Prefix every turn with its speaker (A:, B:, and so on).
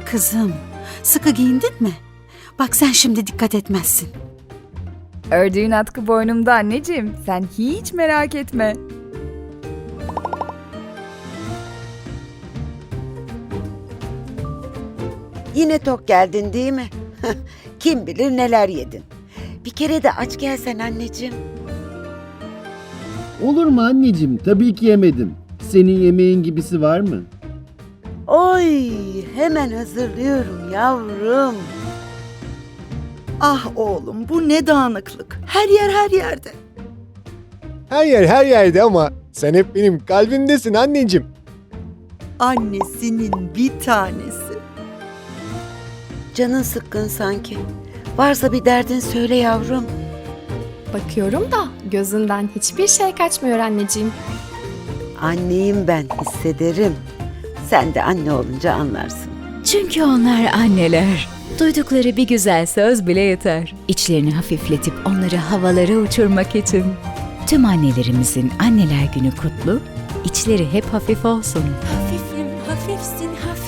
A: Kızım, sıkı giyindin mi? Bak sen şimdi dikkat etmezsin.
B: Ördüğün atkı boynumda anneciğim. Sen hiç merak etme.
C: Yine tok geldin değil mi? Kim bilir neler yedin. Bir kere de aç gelsen anneciğim.
D: Olur mu anneciğim? Tabii ki yemedim. Senin yemeğin gibisi var mı?
C: Oy, hemen hazırlıyorum yavrum.
E: Ah oğlum, bu ne dağınıklık. Her yer her yerde.
F: Her yer her yerde ama sen hep benim kalbimdesin anneciğim.
E: Annesinin bir tanesi.
C: Canın sıkkın sanki. Varsa bir derdin söyle yavrum.
G: Bakıyorum da gözünden hiçbir şey kaçmıyor anneciğim.
C: Anneyim ben, hissederim. Sen de anne olunca anlarsın.
H: Çünkü onlar anneler. Duydukları bir güzel söz bile yeter. İçlerini hafifletip onları havalara uçurmak için. Tüm annelerimizin Anneler Günü kutlu, içleri hep hafif olsun.
I: Hafifim, hafifsin, hafif.